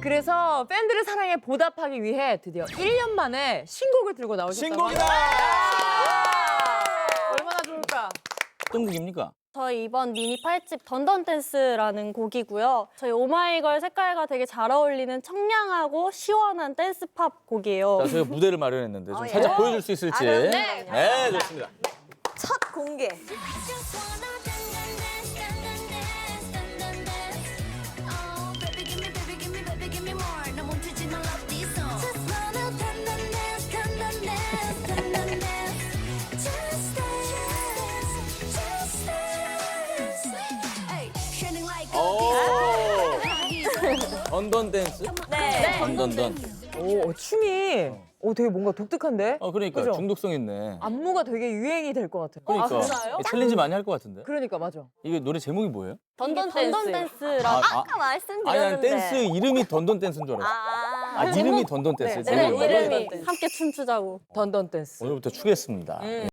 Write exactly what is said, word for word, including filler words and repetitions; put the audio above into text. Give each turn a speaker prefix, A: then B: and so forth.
A: 그래서 팬들의 사랑에 보답하기 위해 드디어 일 년 만에 신곡을 들고 나오셨다고
B: 신곡이다!
A: 합니다. 얼마나 좋을까?
B: 어떤 곡입니까?
C: 저희 이번 미니 팔 집 던던 댄스라는 곡이고요. 저희 오마이걸 색깔과 되게 잘 어울리는 청량하고 시원한 댄스 팝 곡이에요.
B: 자, 저희가 무대를 마련했는데 좀
D: 어, 예.
B: 살짝 보여줄 수 있을지.
D: 아, 그럼요.
B: 네, 좋습니다.
D: 첫 공개.
B: 오! 던던 댄스?
C: 네.
B: 던던던.
A: 오, 어, 춤이 오, 되게 뭔가 독특한데?
B: 어, 그러니까
A: 그죠?
B: 중독성 있네.
A: 안무가 되게 유행이 될 것 같아요.
B: 그러니까
A: 아, 진짜요?
B: 챌린지 많이 할 것 같은데.
A: 그러니까 맞아.
B: 이게 노래 제목이 뭐예요?
C: 던던
A: 던던
C: 던던
A: 댄스.
C: 댄스라고.
B: 아,
D: 아까 말씀드렸는데.
B: 아니, 아니 댄스 이름이 던던 댄스인 줄 알았어.
D: 아.
B: 아, 이름이 던던 댄스.
A: 네,
C: 네,
B: 제목이.
C: 이름이
A: 던던 댄스.
C: 함께 춤추자고.
A: 던던 댄스.
B: 오늘부터 추겠습니다.
A: 음.